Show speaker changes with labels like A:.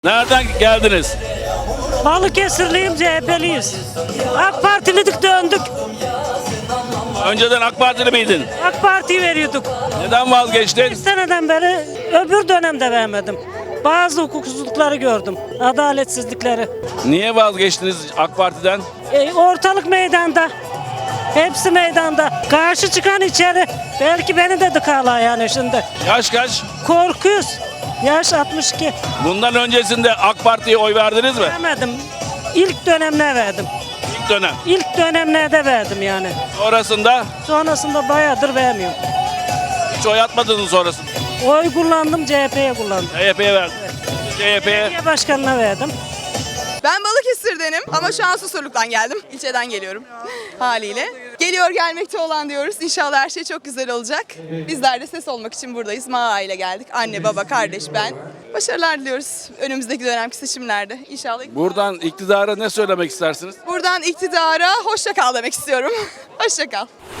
A: Nereden geldiniz?
B: Balıkesirliyim, CHP'liyiz. AK Partilidik döndük.
A: Önceden AK Partili miydin?
B: AK Parti'yi veriyorduk.
A: Neden vazgeçtin?
B: Bir seneden beri öbür dönemde vermedim. Bazı hukuksuzlukları gördüm. Adaletsizlikleri.
A: Niye vazgeçtiniz AK Parti'den?
B: Ortalık meydanda. Hepsi meydanda. Karşı çıkan içeri. Belki beni de dıkarlar yani şimdi.
A: Yaş kaç?
B: Korkuyoruz. Yaş 62.
A: Bundan öncesinde AK Parti'ye oy verdiniz mi?
B: Vermedim. İlk dönemine verdim.
A: İlk dönem.
B: İlk dönemlerde verdim yani.
A: Sonrasında
B: Sonrasında bayağıdır vermiyorum.
A: hiç oy atmadınız sonrasında.
B: Oy kullandım, CHP'ye kullandım.
A: CHP'ye verdiniz. CHP'ye
B: Belediye başkanına verdim.
C: Ben Balıkesir'denim ama şu an Susurluk'tan geldim. İlçeden geliyorum haliyle. Geliyor gelmekte olan diyoruz. İnşallah her şey çok güzel olacak. Bizler de ses olmak için buradayız. Maa ile geldik. Anne, baba, kardeş, ben. Başarılar diliyoruz önümüzdeki dönemki seçimlerde. İnşallah.
A: Buradan iktidara ne söylemek istersiniz?
C: Buradan iktidara hoşça kal demek istiyorum. Hoşça kal.